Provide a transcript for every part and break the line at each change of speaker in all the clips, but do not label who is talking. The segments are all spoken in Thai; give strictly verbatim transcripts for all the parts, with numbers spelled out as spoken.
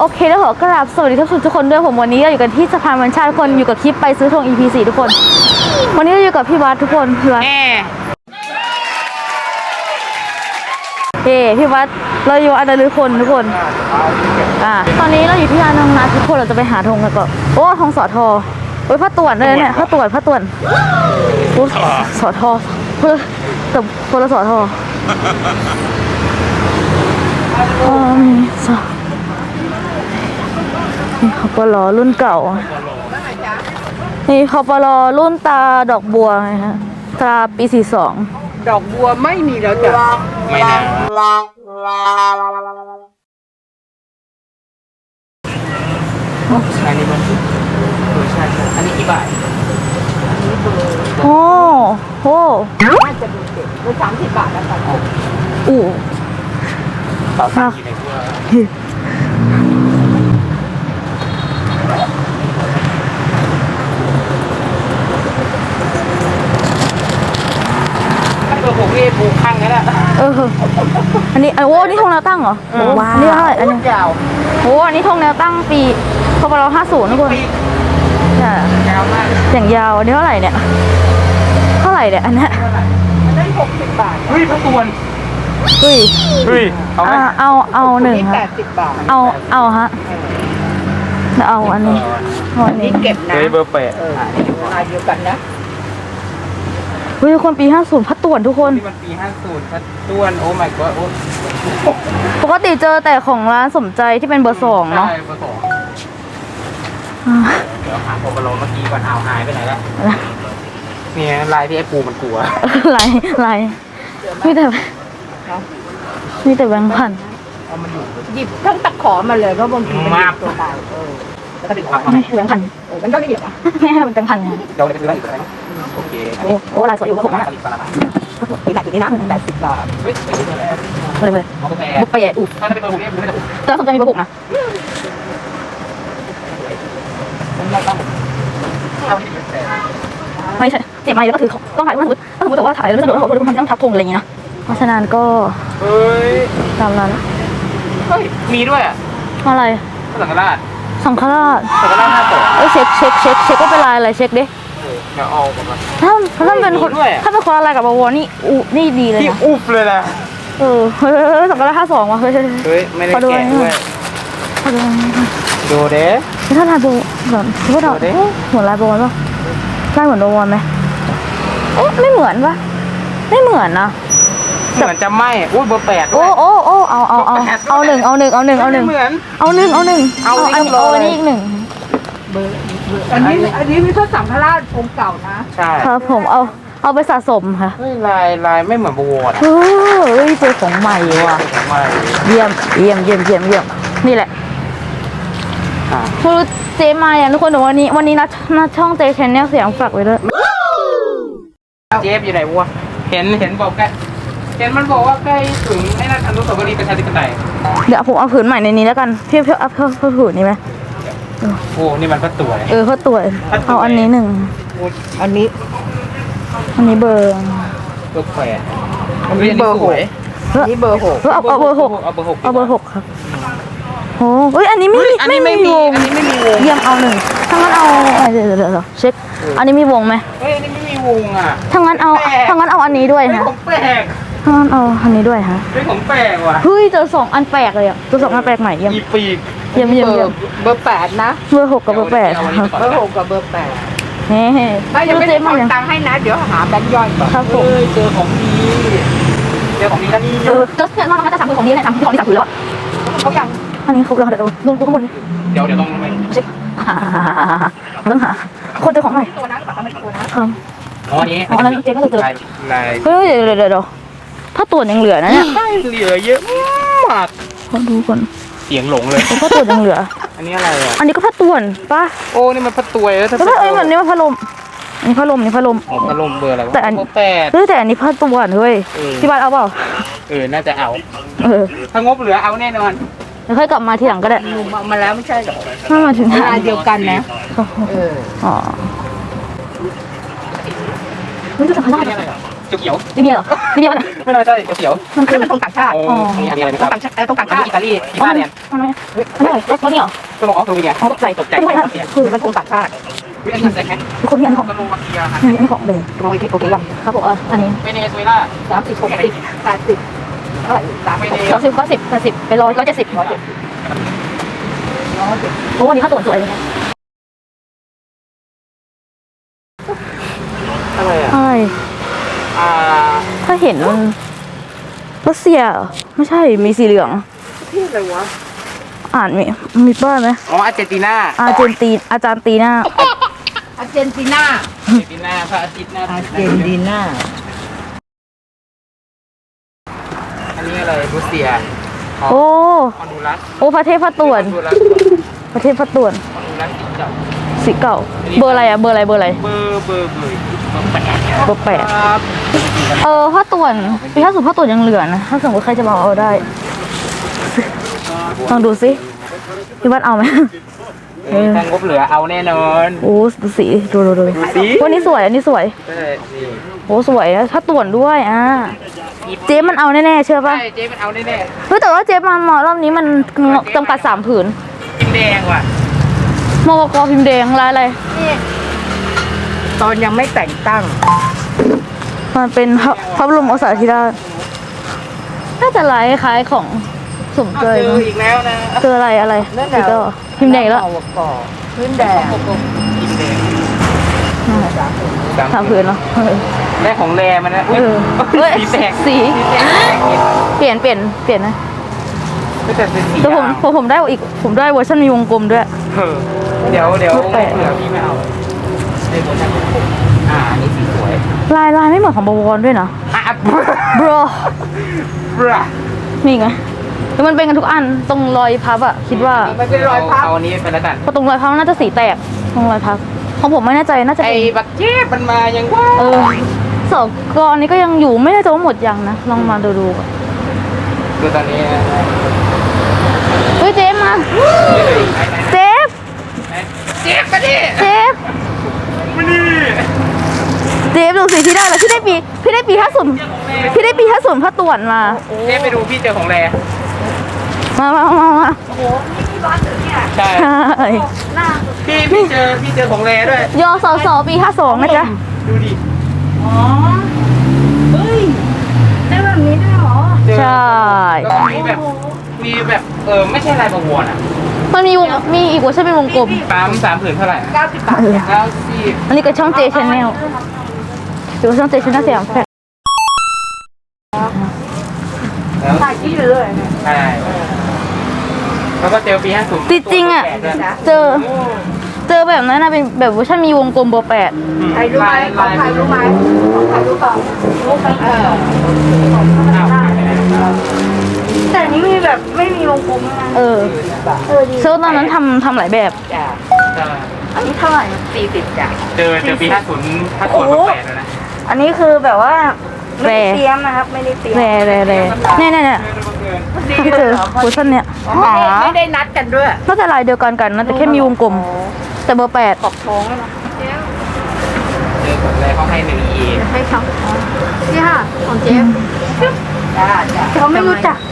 โอเคแล้วขอกราบสวัสดีทุกคนด้วยผมวันนี้อยู่กันที่สะพานวันชาติทุกคนอยู่กับคลิปไปซื้อทง อี พี สี่ทุกคนวันนี้เราอยู่กับพี่วัดทุกคนพี่วัดเฮ้พี่วัดเราอยู่อันดาลือคนทุกคนอ่าตอนนี้เราอยู่ที่ร้านน้องนัททุกคนเราจะไปหาธงกันก่อนโอ้ธงสอทอโอ้ยผ้าต่วนเลยเนี่ยผ้าต่วนผ้าต่วนโอ้สอทอเพื่อแต่คนละสอทออ๋อมีสอนี่เขาปลอรุ่นเก่านี่เขาปลอรุ่นตาดอกบัวไงฮะตาปีสี่สอง
ดอกบัวไม่มีแล้วจ้ะไม่นานอันนี้มันใช่ใช่อันนี้กี่บาท
โอ้โห
น่าจะดูเด็กเป็นสามสิบบาทแล้วกัน
อู้
ต่อสามกี่ในตัวตัวผมนี่ปลูกข้างนั้นแหละ
เอออันนี้โอ้นี่ธงแนวตั้งเหรอว้าวนี่เท่าไหร่อันนี้
ยาว
โอ้อันนี้ธงแนวตั้งปีพปรห้าศูนย์ทุกคนใช่
ยาวมาก
อย่างยาวอันนี้เท่าไหร่เนี่ยเท่าไหร่เนี่ยอันนี้
อันนั้นหกสิบบาทเฮ้ยพระตวน
เฮ้ย
เฮ้ยเอาไหม
เอาเอาหนึ่ง
แปดสิบบาท
เอาเอาฮะเอาอันนี้
อันนี้เก็บนะ
เบอร์แปด
เออลายเดียวกันนะ
เฮ้ยคนปีห้าศูนย์พัดต่วนทุกคน
ที่มันปีห้าศูนย์พัดต่วนโอ้ my god โอ้
ปกติเจอแต่ของร้านสมใจที่เป็นเบอร์สองเนาะ
ใช่เบอร์สองเดี๋ยวหาโคบอลเมื่อกี้ก่อนเอาหายไปไหนแล้วเนี่ยลายที่ไอ้ปูมันกลัว
ลายลายมีแต่มีแต่แบงค์พัน
หยิบทั้งตะขอมาเลยเพราะบางทีมันหยิบตัวตายเออแล้วก็ดึงออกมา
ไม่แบงค์พัน
มันก็ไม่หยิบอ่ะ
แม่เป็นแบงค์พัน
เดี๋ยวจะซื้ออะไรอีกไหมโอเค
โอ้โหลายสวยอยู่ผมนะ
ปีแบบนี้นะแปดสิบบาท
เลยเลยบุกไปแย่อุ๊บ
ถ้าเป็นเบอร์หกเนี่ยไม่ได้
แต่สนใจมีเบอร์หกนะไม่ใช่เจ็บไหมแล้วก็ถือต้องถ่ายรูปถ้าสมมติว่าถ่ายแล้วสนุกแล้วเราทำต้องทับธงอะไรอย่างเงี้ยนะเพราะฉะนั้นก็
เฮ้ย
ตามนั้น
เฮ้ยมีด้วยอ่ะ
อะไร
สังฆราช
สังฆราช
สังฆราชห้าตัว
เอ้ยเช็คเช็คเช็คเช็คก็เป็นลายอะไรเช็คดิ
เดี๋ยวเอาก่อน
ถ้าถ้าเป็นคนถ้าเป็นคนอะไรกับบวรนี่อูนี่ดีเลยนะ
ที่อุบเลยนะ
เออเฮ้ยสังฆราชห้าสองว่ะเฮ้ย
เฮ้ยไม่ได้แกะด้วยดูเด้
ถ้าลายโบเหมือนคิดว่าเราเหมือนลายโบป่ะลายเหมือนโบว์ไหมเอ๊ะไม่เหมือนป่ะไม่เหมือนนะ
เหมือนจะไม่อุ้ยเบอร์แปด
โอ้โอ้โอ้เอาเอาเอาเอาหนึ่งเอาหนึ่งเอาหนึ่งเอาหนึ่งเอาหนึ่งเอาหนึ่ง
เอา
อันนี้เอาอันนี้อีกหนึ่ง
เบอร์อันนี้อันนี้มีพระสังฆราชองค์เก่านะใช่
ครับผมเอาเอาไปสะสมค่ะ
เฮ้ยลายลายไม่เหมือนบัว
เฮ้ยเจอของใหม่ว่ะเยี่ยมเยี่ยมเยี่ยมเยี่ยมเยี่ยมนี่แหละคือเจมาอย่างทุกคนวันนี้วันนี้นัดนัดช่องเจแชนแนลเสียงฝากไว้ด้วย
เจฟอยู่ไหนวะเห็นเห็นบอกใกล้เห็นมันบอกว่าใกล้ถึงไอ้นั่นอนุสาวรีย์ประชาธิปไตย
เดี๋ยวผมเอาผืนใหม่ในนี้แล้วกันเพี้ยวเพี้ยวเอาเพี้ยวเพี้ยวผืนนี้ไหม
โอ้นี่มันก็ตัว
เออเขาตัวเอาอันนี้หนึ่ง
อันนี้
อันนี้เบอร์
เบอร์แปดอันนี้เบอร์หกนี่เบอร์หก
เอาเอาเบอร์หก
เอาเบอร์หก
เอาเบอร์หกครับโอ้เฮ้ยอันนี้ไม่
ไม่ไม่มีอันนี้ไม่มีวง
เยี่ยมเอาหนึ่งถ้างั้นเอาเดี๋ยวเดี๋ยวเช็คอันนี้มีวงไหม
เฮ้ยอันนี้ไม่มีวงอ่ะ
ถ้างั้นเอาถ้างั้นเอาอันนี้ด้วยนะ
ของแปลก
ถ้างั้นเอาอันนี้ด้วยฮะ
เป็นของแปลกว่ะ
เฮ้ยเจอสองอันแปลกเลยอ่ะตัวสองอันแปลกใหม่เยี่ยม
อีปีก
เยี่ยมเยี่ยมเยี่ยม
เบอร์แปดนะ
เบอร์หกกับเบอร์แปด
เบอร์หกกับเบอร์แปด
เฮ้ย
ยังไม่ได้เอาตังค์ให้นะเดี๋ยวหาแบงค์ย่อยก่อน
ครับผม
เจอของดีเจอของดีแล้วนี่
เออจะเพื่อนว่าเราจะสั่งของนี้เลยสั่งที่ของที่สั่งถือแล้ว
เขายัง
อันนี้เขาเราเดี๋ยวลงข้างบน
เดี๋ยวเดี๋ยวต้องไป
เช็คต้องหาคนเจอของใหม่
ตัวนั้นกับตัวนั้นตัวนั้น
อ๋อ
นี้
อ๋อนั้นเจ๊ก็เลยเจอเฮ้ยเดี๋ยวเดี๋ยวเดี๋ยวถ้าตัวยังเหลือนะเนี่ย
เหลือเยอะมาก
ขอดูก่อน
เสียงหลงเลย
ถ้าตัวยังเหลือ
อันนี้อะไรอ่ะ
อันนี้ก็พัดต่วนป่ะ
โอ้นี่มันพัดตัวแล้วถ้า
เอ้ยมันนี่มันพัดลมนี่พัดลมนี่พัดลม
อ๋อพัดลมเบอร์อะไรวะ
แต่อัน
แปด
เฮ้ยแต่อันนี้พัดต่วนเฮ้ยที่บ้านเอาเปล่า
เออน่าจะเอา
เออ
ถ้างบเหลือเอาแน่นอน
เดี๋ยวค่อยกลับมาทีหลังก็ได้
มาแล้วไม่ใช่หรอ
ถ้ามาถึง
งานเดียวกันนะเออ
อ๋อนี่จะทำอะไร
เขียว
ลิเบียเหรอลิเบียนะ
ไม่น่าใช่เขียว
มันคือ
เป็นตรงต่างชาติ
โอ้มีอะไรไหม
ต
ค
ร
รับ
งต่างชาติตรงต่างชาติ
อิตาลีอิตาเลียน
ทำไมอันนี้รถนี่เหรอ
ก็บอกอ๋อตัวเมีย
เขาตกใจตกใจ
คือ
มันตรงต่างชาติ
วิธีการใช้แค่
คนนี้อันของ
สโลวาเกียครับ
อันนี้ของเบย์
โอเคโอเคยัง
ครับผมอันนี้
เวเนซุเเอลา
สามสิบหกสิบแปดสิบเท่าไหร่สาม
เว
สิบ
เน
สองสิบก็สิบแปดสิบไปร้อยร้อยเจ็ดสิบร้อยเจ็ดสิบโอ้วันนี้ค่าตั๋วสวยเลยนะ
อะไรอ่ะ
ใช่
อ่า
ถ้าเห็นมันรัสเซียไม่ใช่มีสีเหลือง
ที่อะไรวะ
อ่านมีมีป้ายไหม
อ๋ออาร์เจนตินา
อาร์เจนตีอาจารย์ตีหน้า
อาร์เจนตินา
อาร์เจนตินาพระอาทิตย์หน้า
อาร์เจนตินา
อันนี้อะไรรัสเซีย
โอ้
ฮอนดูรัส
โอ้ประเทศพระต่วน
ฮอนดูรัส
ประเทศพระต่วน
ฮอนดูรัสสีเก่า
สีเก่า เบอร์อะไรอะเบอร์อะไรเบอร์อะไร
เบอร์เบอร์เบอร์เบอร์แปด
เบอร์แปด
ครับ
เออพระต่วนปีห้าสิบพระต่วนยังเหลือนะถ้าสมมติใครจะมาเอาได้ลองดูสิพี่วัดเอาไหม
เออถ้างบเหลือเอาแน่นอน
โอ้ดูสีดูดูดู
ดูสิ
วันนี้สวยอันนี้สวย
ใช่นี่
โอ้สวยอะพระต่วนด้วยอ่ะเจ๊มันเอาแน่ๆเชื่อป่ะ
ใช่เจ๊มันเอาแน่
เฮ้ยแต่ว่าเจ๊มามารอบนี้มันจำกัดสามผืน
ๆกินแดงว่ะ
มวกพิมพ์แดงลายอะไร
ตอนยังไม่แต่งตั้ง
มันเป็นพระพระบรมโอษาธิราชน่าจะลายคล้ายของสม
เอา
เจย
เจอ
มั้ง
อีกแล้วนะ
เจออะไรอะไร
นั่นแห
อี
ละ
กแล้วพิมพ์แดงอีกแล้ว
เอาก่อพื้นแดง
กินแดง
นั่นแหละสามผืนเนาะเออ
ได้ของแรมันนะอุ้ย
เออเฮ้ย
สีแตก
สี
แตก
เปลี่ยนเปลี่ยนเปลี่ยนนะ
ก็จะเป็นสี
แต่ผม
ดำ
ผมผมได้อีกผมได้เวอร์ชันมีวงกลมด้วย
เออเดี๋ยวเดี๋ยว
แปะ
เหลือพี่ไม่เอาได้หมดนะอ่าอันนี้สีสวย
ลายลายไม่เหมือนของบวรด้วยนะ
อ่ะ
bro
บรา
มีอีกไหมแล้วมันเป็นกันทุกอันตรงรอยพับอะคิดว่า
มันเป็นรอยพับ
เอาอันนี้ไปแล้วกัน
เพราะตรงรอยพับน่าจะสีแตกตรงรอยพับของผมไม่แน่ใจน่าจะ
ไอ้
เป็น
บักเจ็บมันมายังว่า
เออสองกรนี้ก็ยังอยู่ไม่แน่ใจว่าหมดยังนะลองมาดูดูก่อน
ดูตอนนี้นะ
เฮ้ยเจฟมาเจฟ
เจ็บมาดิ
เจฟ
มาดิ
เจฟดูสิพี่ได้แล้วพี่ได้ปีพี่ได้ปีห้าศูนย์พี่ได้ปีห้าศูนย์พระต่วนมา
เจ็บไปดูพี่เจอของแร
มามามามา
ใช่
ใช่
พี่พี่เจอพี่เจอของแรด้วย
ยอสอสอปีห้าสองนะจ๊ะ
ดูดิ
ได้แบบนี้ด้วยเหรอ
เจอ
ใช่
แล้วก็มีแบบมีแบบเออไม่ใช่ลายประวรอ่ะ
มันมีวงมีอีกเวอร์ชันเป็นวงกลม
ปั๊มสามผืนเท่าไหร่
เก้าสิบบาท
เออ
เก้าสิบ
อันนี้ก็ช่องเจชแนลหรือว่าช่องเจชแนลสยามแฟลต
แล้ว
ถ่ายที่เลย
ใช่แล้วก็เจอปีห้าสิบ
จริงๆอ่ะเจอเจอแบบนั้นนะเป็นแบบเวอร์ชันมีวงกลมเบอร์แปด
ใครรู้ไหมของใครรู้ไหมของใครรู้เปล่ารู้ไหมเออ
แต่อันนี้มีแบบไม่มีวงกลมนะเออเออดีเซลตอนนั้นทำทำหลายแบบ
จ้ะ
อันนี้เท่าไหร่
สี่สิบจ้ะ
เจอเจอปีห้าศูนย์ห้าศูนย์เบอร์แปดแล้วนะ
อันนี้คือแบบว่าแร
เตรียมนะครับไม่ได้เตรียม
แรแรแรเนี่ยเนี่ยเนี่ยที่เจอเวอร์ชันเนี้ย
ไม่ได้ไม่ได้นัดกันด้วย
น่าจะลายเดียวกันกันนะแต่แค่มีวงกลม แต่เบอร์แปด
ขอบท้องเลยนะ
เจอของแรเขาให้หนึ่งเอ
ให้เขานี่ค่ะของเจฟจ้าจ้า
เขาไม่รู้จัก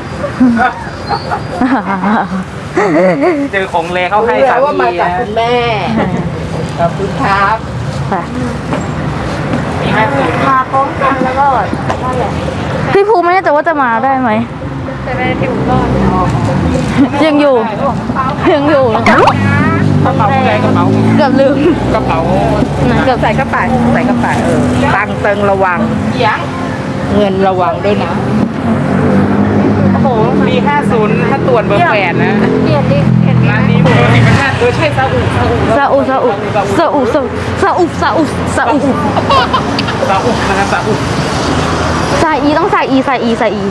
เจอของแรเขาให้
รู้
สา
แล้ว
ม
ว่ามา
เอ
จาก
นะ
คุณแม่ขอบคุณครับ
ไป
ปีห้าศูนย์
มาพร้อมกันแล้วก็นั่นแหละพี่ภูไม่แน่ใจว่าจะมาได้ไหม
จะได้ที่ผมรอด
ยังอยู่ยังอยู่นะคะ
กระเป๋าแรกระเป๋า
เกือบลืม
กระเป๋า
นะเกือบ
ใส่กระเป๋าใส่กระเป๋าเออตังค์เติงระวัง
ยัง
เงินระวังด้วยนะ
โอ้โห
ปีห้าศูนย์ถ้าตรวจเบอร์แปดนะ
เปลี่ยนดิเปลี่ยน
ร้านนี้เบอร์สิบเป็นชาติเออใช่ซาอุซาอุ
ซาอุซาอุซาอุซาอุซาอุซาอุซาอุ
ซาอุนะครับซาอุ
ซาอีต้องซาอีซาอีซาอี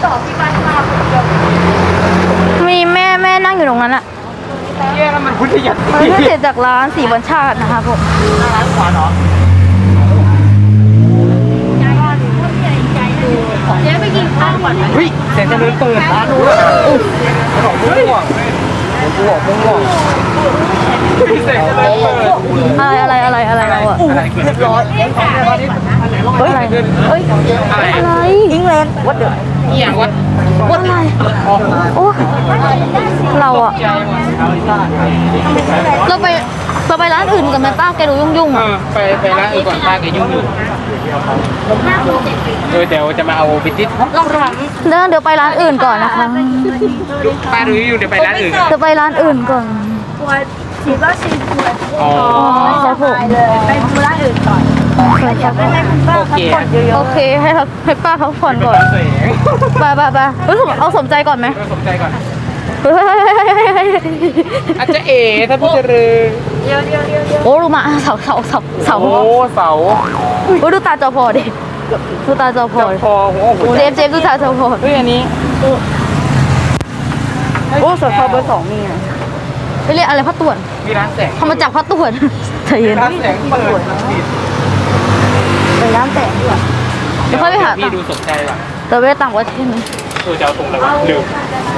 มีแม่แม่นั่งอยู่ตรงนั้นอะ
เย้แล้วมันพุทธยัต
มันไม่เสร็จจากร้านสีวันชาตินะคะผม
ร้านขวาเนาะ
เจ๊ไปกินข้าวก่อนไหม
เฮ้ยเสียงจะเดินเปิดร้านนู้นอุ๊ยของม่วงกูบอกม่วงเสียงจะเดินเปิด
อะไรอะไรอะไรอะไรเราอะ
อะไรเกิดขึ้นร้อน
อะไร
เฮ้ยอะไร
อะไรอิงแลนด์วัดเดือด
อีหยังวะ
วัดอะไร
อ๋อ
โอ้เราอะ
ใจหมด
เราไปเราไปร้านอื่นกันไหมป้าแกดูยุ่งๆ
เอ
อะ
อไปไปร้านอื่นก่อนป้าแกยุ่งอยู่เออเดี๋ยวจะมาเอาบิติส
เดี๋ยวเดี๋ยวไปร้านอื่นก่อนนะคะ
ดูป้าดูอยู่เดี๋ยวไปร้านอื่นก่อน
จะไปร้านอื่นก่อน
ปวดฉีดวัคซีนปวด
อ๋อ
ครับผม
ไปดูร้านอื่นก่อนอยากได้ไหมคุณป้า
โอเค
พักผ่อนเยอะ
โอเคให้เขาให้ป้าพักผ่อนก่อน
เสียง
ไปไปไปเฮ้ยเอาสมใจก่อนไหม
ก็สนใจก่อน
เฮ้ย
อาจจะเอ๋ถ้าพูดจะรือ
ๆเดี๋ยวเดี๋ยวเดี๋ยวเดี๋ยว
โอ้ดูมาเสาเสาเสาเสา
โอ้เสา
โอ้ดูตาจอพอดิดูตาจอพอ
เจ้า
ดิ
พอหัวหัว
เจ
ใจ
มส์เจมส์ดูตาจอพอ
เฮ้ยอันนี้
โอ้สอพอเบอร์สองมีอ่ะไปเรียกอะไรพัดต่วน
มีร้านแสง
ทำมาจากพัดต่วนใจเย็น
ร้านแสงเปิด
ไปร้านแต่งดีกว่า
เดี๋ยวค่อยไปหา
พี่ดูสนใจว่ะ
เราไปต่างประเทศไหม
ตัวจะเอาตรงไหนวะลืม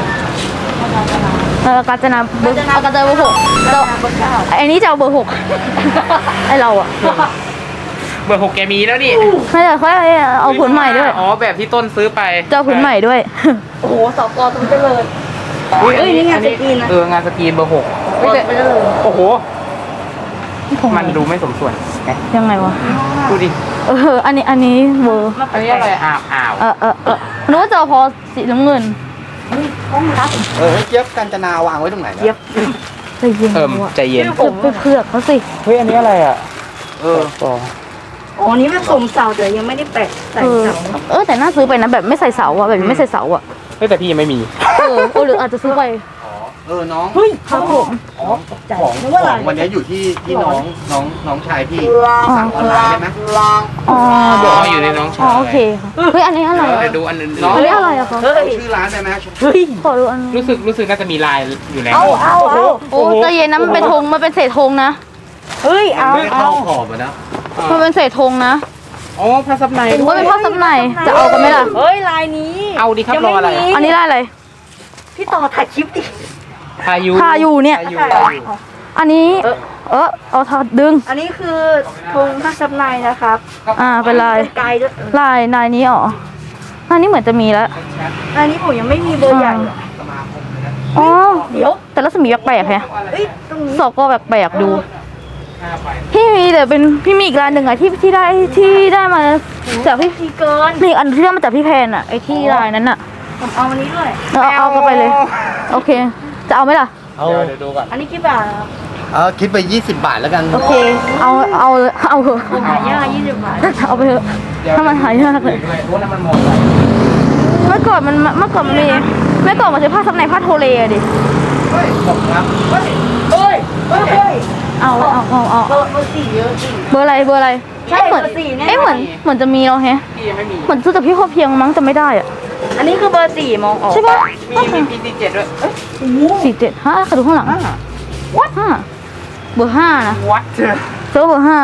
เออกาญจนาเบอร์เอากาญจนาเบอร์หกเราไอ้นี่จะเอาเบอร์หกไอเราอ่ะ
เบอร์หกแกมีแล้วนี่
ไม่แต่ค่อยเอาผืนใหม่ด้วย
อ๋อแบบที่ต้นซื้อไป
จะเอาผืนใหม่ด้วย
โอ้โหสกอตรงเจริญ
อุ้ย
เอ้ยนี่งานสกรีนนะ
เอองานสกรีนเบอร์หก
ไปเจริญ
โอ้โห มันดูไม่สมส่วนไง
ยังไงวะ
ดูดิ
เอออันนี้อันนี้เบอร์
อันนี้อะไรอ่าวอ่าว
เออเออเออนึกว่าจะเอาพอสีน้ำเงิน
เออเจี๊ยบกัญจนาวางไว้ตรงไหนนะ
เย็บใจเย็น
เอิ่ม
ว่ะ
ใจเย็น
เผือกไปเผือกเขาสิ
เฮ้ยอันนี้อะไรอ่ะ
เออ
อ๋อ
อ๋อนี่มันสมเสาแต่ยังไม่ได้แปะใส่
เออ
เสา
เออแต่น่าซื้อไปนะแบบไม่ใส่เสาอะแบบไม่ใส่เสาอะ
เฮ้ยแต่พี่ยังไม่มี
เออเออหรืออาจจะซื้อไป
เออน้อง
ครับผม
ของของของวันนี้อยู่ที่ที่น้องน้องน้องชายพี่สั่งออนไลน์ได้ไหม
อ๋อเดี๋ยว
อ๋ออยู่ในน้อง
อ๋อ
ชาย
โอเคค่ะเฮ้ยอันนี้อะไร
เออ
อะ
เดี๋ยวดูอันอื่น
อันนี้อะไรอะคะ
เอาชื่อร้านได้ไหม
ขอดูอันนึง
รู้สึกรู้สึกน่าจะมีลายอยู่แล้ว
เอาเอาเอา
โอ้ใจเย็นนะมันเป็นธงมันเป็นเศษธงนะ
เฮ้ยเอา
ไม่ได้
เอา
เข้าขอบอะนะ
มันเป็นเศษธงนะ
อ๋อพระซับใน
เห็น
ด้ว
ว่าย เป็นพ่อซับในจะเอากันไหมล่ะ
เฮ้ยลายนี้
เอาดิครับรออะไร
อันนี้ได้อะไร
พี่ต่อถ่ายคลิปดิ
พายุ
พายุเนี่ย
พายุ
อันนี้ เออเอาทอดดึง
อันนี้คือธงพระซับในนะครับ
อ่าเป็นลาย
เป็นไกด์ด้วย
ลายลายนี้อ๋อลายนี้เหมือนจะมีแล้ว
ลายนี้ผมยังไม่มีเบอร์ใหญ่อะ
อ๋อ
เดี๋ยว
แต่รัศมีแปลกๆแฮะ
เอ้ยตรงนี้
สอบก็แปลกๆดู พี่มีแต่เป็นพี่มีอีกร้านหนึ่งอะที่ที่ได้ที่ได้มาจากพี่
ทีเกิน
มีอีกอันที่ได้มาจากพี่แพนอะไอที่ลายนั้นอะ
ผมเอาอันนี้ด้วย
เอาเอาก็ไปเลย โอเค จะเอาไหมล่ะ
เอา
เดี๋ยวเดี๋ยวดูก่อน
อันนี้กี่บาทครับ
เออคิดไปยี่สิบบาทแล้วกัน
โอเค เอาเอาเอาเถอะ
หายากยี่สิบบาท
เอาไปเถอะถ้ามันหายากเลย
ด้วยโอ้นั่นมันหมดเลย
เมื่อก่อนมันเมื่อก่อนมันมีเมื่อก่อนมันใช้ผ้าซับในผ้าโทเลอะดิ
เฮ้ยขอบคุณครับ
เฮ้ยเฮ้ยเฮ้ย
เอาเอาเอาเอา
เบอร์เบอร์สี่เยอะจริง
เบอร์อะไรเบอร์อะไร
ใช่
เหมือน
เบอร์สี่แน่นอน
เอ๊ะเหมือนเหมือนจะมีเราแฮะ
พี่ยังไม่มี
เหมือนซื้อจากพี่พอเพียงมั้งจะไม่ได้อะ
อันนี้คือเบอร์สี่มองออก
ใช่ปะ
มีมีพีซีเจ็ดด้วยเอ้ย
สี่เจ็ดห้าขอดูข้างหลัง
อ่า
วัดห้าเบอร์ห้านะ
วัดเจอ
เจอเบอร์ห้า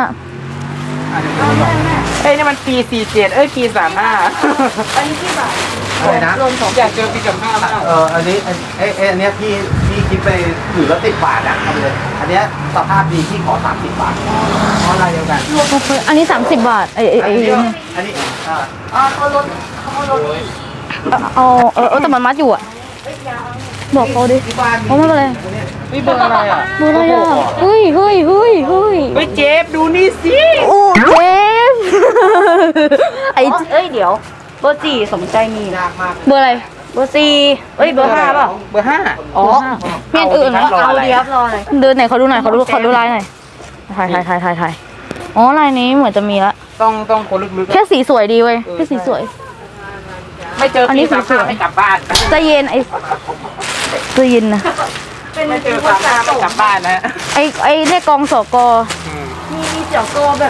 เอ้ยนี่มันปีสี่เจ็ดเอ้ยปีสามห้า
อันนี้กี่บาท
อะไรนะ
รวมสอง
อยากเจอปีกับห้ามาก
เอออันนี้อันเอ้ยเอ้ยอันเนี้ยพี่พี่คิดไปถือละสิบบาทนะเอาไปเลยอันเนี้ยสภาพดีพี่ขอสามสิบบาท
เพราะอะไรเดียวกัน
อันนี้สามสิบบาทไอ้ไอ้ไอ้
อันนี้อันนี้อ่า
อ๋อเขาลดเขาลด
เอาเออเออแต่มันมัดอยู่อะบอกเขาดิ
ที่บ้าน
เอาไม่เป็นไร
นี่เบอร์อะไรอ่ะ
เบอร์อะไรอะเฮ้ยเฮ้ยเฮ้ยเฮ้ย
เฮ้ยเจฟดูนี่สิ
โอ้เจฟไอ้
เอ้ยเดี๋ยวเบอร์สี่สมใจมีนะ
ยากมาก
เบอร์อะไร
เบอร์สี่เอ้ยเบอร์ห้าเปล่า
เบอร์ห้า
อ๋อ
มีอันอื่นเหรอ
รอ
เอา
อะไร
เดียบรอเลย
เดินไหนเขาดูหน่อยเขาดูเขาดูลายหน่อยถ่ายถ่ายถ่ายถ่ายถ่ายอ๋อลายนี้เหมือนจะมีละ
ต้องต้องคนลึกๆ
แค่สีสวยดีเว้ยแค่สีสวย
ไม่เจอ
อันนี้
ปีสาม
สวย
ห้า
ๆ
ไม่กลับบ้าน
ใจเย็นไอ้ใจเย็นนะ
เป็น
ไม่เจอสามห้าไม่กลับบ้านนะ
ไอ้ไอ้เนี่ยกองสก
อืม
มีมีเสี่ยวโตแบบ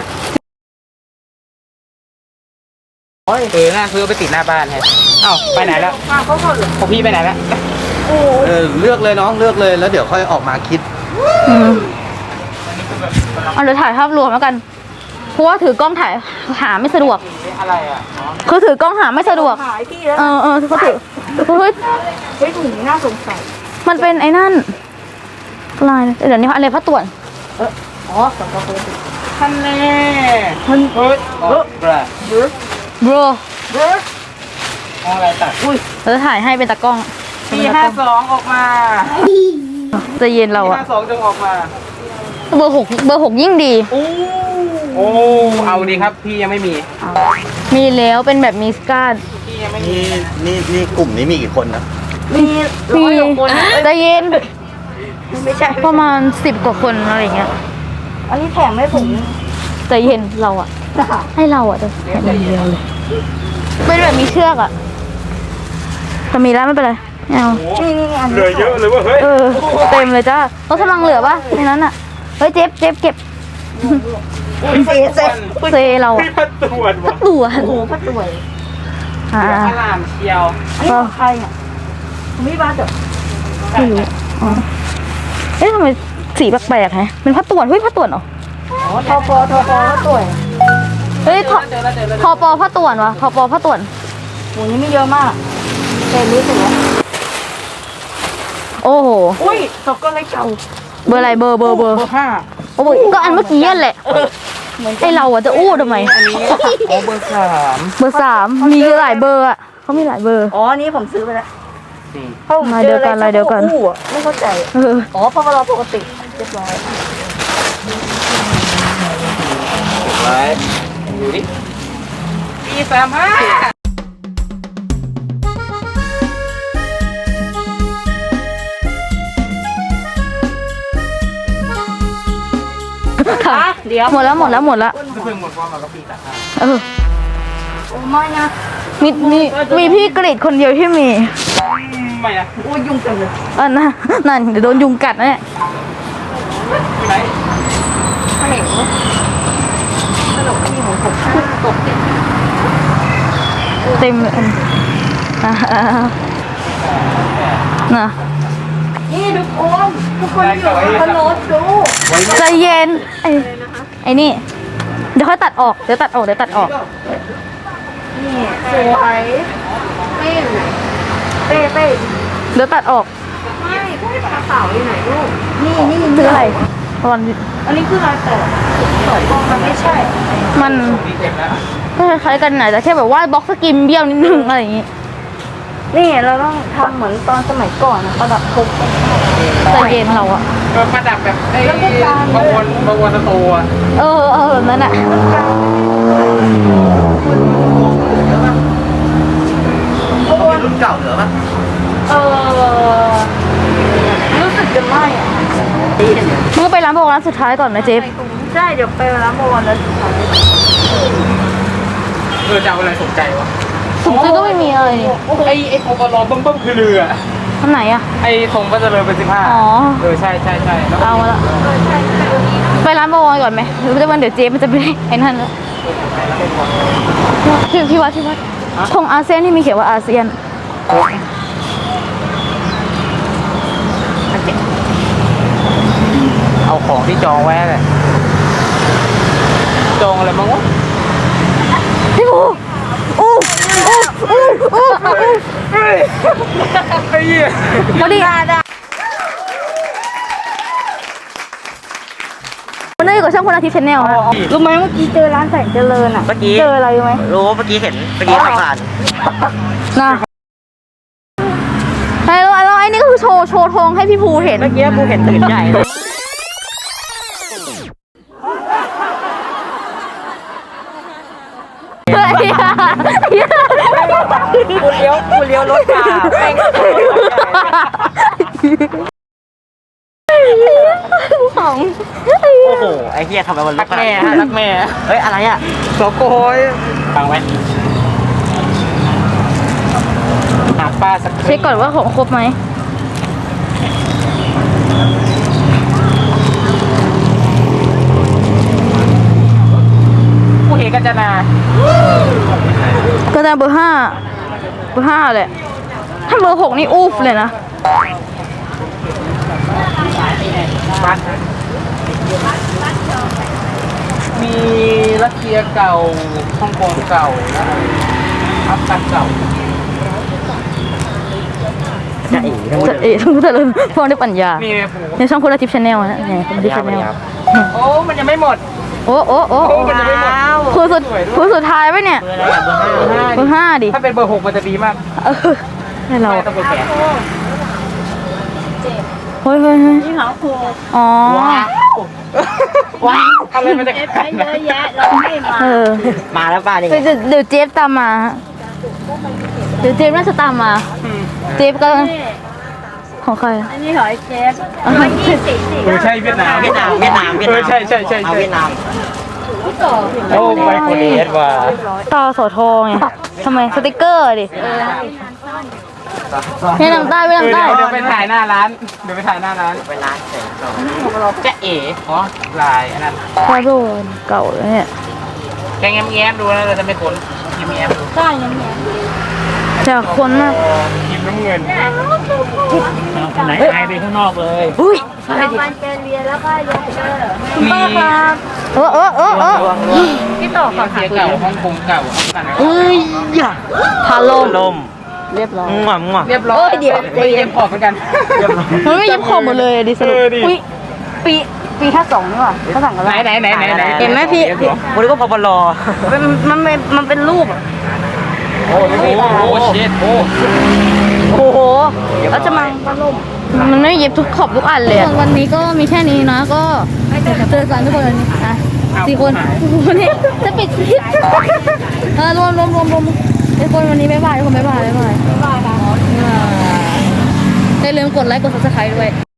เออน่าซื้อไปติดหน้าบ้านแฮะเอ้าไปไหนแล้ว
มาเขาเขาเหรอ
ของพี่ไปไหนแล้ว
โอ้
เออเลือกเลยน้องเลือกเลยแล้วเดี๋ยวค่อยออกมาคิด
อืมเอาเดี๋ยวถ่ายภาพรวมแล้วกันเพราะว่าถือกล้องถ่ายหาไม่สะดวก
อะไรอ่ะ
คือถือกล้องหาไม่สะดวก
หายพี่แล้ว
เออเออเขาถือเฮ้ย
เฮ้ยถุงนี้น่าสงสัย
มันเป็นไอ้นั่นลายเดี๋ยวนี้อะไรพระต่วน
อ๋อสองกระปุก
ท่านแน่มันเฮ้ยเฮ้ยบรา
bro
เอาอะไรตัดอุ้ย
เราจะถ่ายให้เป็นตากล้อง
ปีห้าสองออกมา
ใจะเย็นเรา
ปี
อะ
ห้าสองจงออกมา
เบอร์หกเบอร์หกยิ่งดี
โอ้โอ้เอาดีครับพี่ยังไม่มี
มีแล้วเป็นแบบมีสการ์ด
พี่ยังไม่มี
นี่นี่นี่กลุ่มนี้มีกี่คนนะ
มีร้อยกว่าคน
ใจะเย็น
ไม่ใช่
ประมาณสิบกว่าคนอะไรอย่างเงี้ย
อันนี้แถมให้ผม
ใจเย็นเราอะให้เราอะจะแค่คนเดียวเลยเป็นแบบมีเชือกอะแต่มีแล้วไม่เป็นไรไม่เอา
นี่นี่อัน
เหลื
นี้
อเยอะเลยว่าเฮ้ย
เออเต็มเลยจ้ารถกำลังเหลือปะในนั้นอะเฮ้ยเจ็บเจ็บเก็บ
เซเซ
เซเราอะ
พี่พัดตรวจ
สั
ว่ะ
กตัว
โอ้โหพระสวย
อ่า
พระรามเชียว
อันนี้ของใครเนี่ยผมไม่บ้าเถอะ
ไม่รู้อ๋อเอ๊ะทำไมสีแปลกๆฮะเป็นผ้าต่วนเฮ้ยผ้าต่วนเหรอ
อ๋อทอปอทอปอพระสวย
เฮ้ยทอ
เจอแล้วเจอแล้ว
ทอปอผ้าต่วนวะทอปอผ้าต่วน
หมูนี้ไม่เยอะมากเต็มนี้ถึงแล้ว
โอ้โห
อุ้ยตกก็เลยเก่า
เบอร์อะไรเบอร์เบอร์เบอร์
เบอร์ห้า
โอ้โหก็อันเมื่อกี้นั่นแหละไอเราอะจะอู้ทำไม
อันนี้โอ้เบอร์สาม
เบอร์สามมีหลายเบอร์อะเขามีหลายเบอร์
อ๋ออันนี้ผมซื้อไปแล้ว
นี่
เพราะผม
ลาย
เจ
เดี
อ
ยว
อะไร
กันลายเดียวกัน
อู้อะไม่เข้าใจ
เออ
อ๋อเพราะว่าเราปกติเรียบร้อย
ไว้ดูดิปีสามห้า
ค่ะ
เดี๋ยว
หมดแล้วหมดแล้วหมดแล้ว
เพิ่งหมดความหมายกับปีสามห้า
เออ
โอ้ไม่นะ
มีมีมีพี่กรีดคนเดียวที่มี
ไม่นะ
อู้ยุ่งจังเลย
อันน่ะนั่นเดี๋ยวโดนยุงกัดนะเนี่ย
อยู่ไหน
ถ้าเห็นขนมที่ของผมตกติด
เต็มเลยอ่าน่ะ
นี่ทุกคนทุกคนอยู่บนรถดู
ใจเย็นไอ้ไอ้นี่เดี๋ยวค่อยตัดออกเดี๋ยวตัดออกเดี๋ยวตัดออก
นี่สวยเป้เป้เป้
เดี๋ยวตัดออก
ไม่เป้กระเป๋าอยู่ไหนลูกนี่นี่
คืออะไรตอน
อันนี้คือลายต่อต่อกองมันไม่ใช่
มัน
นี่เจ็บแล้ว
ก็คล้ายๆกันหน่อยแต่แค่แบบว่าบล็อกสกิมเบี้ยวนิดนึงอะไรอย่างงี้
นี่เราต้องทำเหมือนตอนสมัยก่อนนะประดับพุก
ใจเย็นเราอะ
เออประดับแบบไอ้บางวนบางวนสตูอ่ะ
เออเออแบบนั้นอะ
เขามีรุ่นเก่าเหลือปะ
เออรู้สึกจะไม่อะ
มึงก็ไปร้านโบร้านสุดท้ายก่อนนะเจฟ
ใช่เดี๋ยวไปร้านโมวันแล้วสุดท้าย
เออจะเอาอะไรสนใจวะ
ถุงซื้อก็ไม่มีอะไรนี่
ไอ้ไอ้โคบอลอเบิ่มๆคือเรือ
อันไหนอะ
ไอ้ทรงก็จะเลยเป็นสิบห้า
อ๋อ
เออใช่ใช่ใช่แล้ว
เอามาละไปร้านโบก่อนไหมหรือว่าเดี๋ยวเจฟมันจะไปไอ้นั่นแล้วที่ที่วัดที่วัดธงอาเซียนที่มีเขียนว่าอาเซียน
เอาของที่จองไว้เลยจองอะไรบ้างวะ
พี่ภูอู้อู้อู้อู้อู้
เฮ้ยไอ้เหี้ย
พอดีวันนี้อยู่กับช่องคนอาทิตย์ชาแนลฮะ
รู้ไหมเมื่อกี้เจอร้านแสงเจริญอ่ะ
เมื่อกี้
เจออะไรรู้ไหม
รู้เมื่อกี้เห็นเมื่อกี้ผ่าน
นะไอ้แล้วไอ้แล้วไอ้นี่ก็คือโชว์โชว์ธงให้พี่ภูเห็น
เมื่อกี้กูเห็นตื่นใหญ่เลย
เฮ้ย
กูเลี้ยวกูเลี้ยวรถมาแม่ง
ของ
โอ้โหไอ้เหี้ยทำไมมันลุ
รั
ก
กแม่ฮะรักแม่
เฮ้ยอะไรอ่ะ
โสโกยฟังไหมหาป้าสัก
เช็คก่อนว่าของครบไหม
ผู้เอกกัญจนา
ก็จะเบอร์ห้าเบอร์ห้าเลยถ้าเบอร์หกนี่อูฟเลยนะ
บ้านมีรัสเซียเก่าฮ่องกงเก่าและอัฟกันเก่า
จะอีกทั้งหมด
จะเอ๋ต้องแต่ละพอได้ปัญญา
นี่ไงผู
ในช่องคนละทิปชาแนลนะไงคนละทิปชาแนล
โอ้มันยังไม่หมด
โโอ้โอ้โอ้
โอ้มันจะไม่หมด
คือสุดคือสุดท้ายไหมเนี่ย
เบอร์อะไรอะเบอร์ห้า
เบอร์ห้าดิ
ถ้าเป็นเบอร์หกมันจะดีมาก
เออให้เรา
ไม่ต้องเบอร์แปด
เฮ้ยเฮ้ยเฮ้ย
นี่เขาครู
อ๋อ
ว้าวอะไรมันจะ
เอฟไปเยอะแยะเราไม่มา
เออ
มาแล้วป้านี่
เดี๋ยวเดี๋ยวเจฟตามมาฮะเดี๋ยวเจฟน่าจะตามมา เจฟก็
นี่
ของใคร
อันนี้หอยเจฟร้อยยี่สิบสี่
เออใช่เวียดนาม
เวียดนามเวียดนามเวียด
เอ
นา
อ
ม
ใช่ใช่ใช่
เอา
ใช่
เวียดนาม
โอ้ไมโครเอสว่ะ
ตาสอทองไงทำไมสติกเกอร์ดิเวียดนามใต้เวียดนามใต้
เดี๋ยวไปถ่ายหน้าร้าน เดี๋ยวไปถ่ายหน้าร้าน
ไปร้านเสร็จสอง
จะเอ๋อ๋อลายอันนั้น
พอโดนเก่าแล้วเนี่ย
แกงแง้มๆดูนะเราจะไม่ค้นแง้มๆดู
ใช่ยังไง
จากคนมาก
กินน้ำเงินไหนไอไปข้างนอกเลย
อุ้ย
เรามันเจเรียแล้วก็ยกเจอ
มี
เออเออเออเออ
ที่ต่อฝั่งเสียเก่าฮ่องกงเก่าฮ่องกัน
เอ้ยอย่าพาลม
ลม
เรียบร้อย
มั่วมั่ว
เรียบร้อย
เอ้ยเดี๋ยว
ไม่เย็นพอเหมือนกัน
มันไม่ยิบขอบหมดเลยดิสรุป
เออดิ
อุ้ยปีปีท่าสองนี่หว่าท่าสองกัน
ไหนไหนไหนไหนไหน
เห็นไหมพี่
วันนี้ก็พอปลอ
มันมันเป็นมันเป็นรูปอะ
โอ้โหโอ้เช็ดโอ้
โอ้โหแล้วจะมังพัดลมมันไม่เย็บทุกขอบทุกอันเลยอะวันนี้ก็มีแค่นี้นะก็เจอกันทุกคนวันนี้อ่ะสี่คนวันนี้จะปิดคลิปเออรวมรวมรวมรวมทุกคนวันนี้บ๊ายบายทุกคนบ๊ายบายบ๊ายบายบ๊ายบายค่ะอย่าลืมกดไลค์กดซับสไครต์ด้วย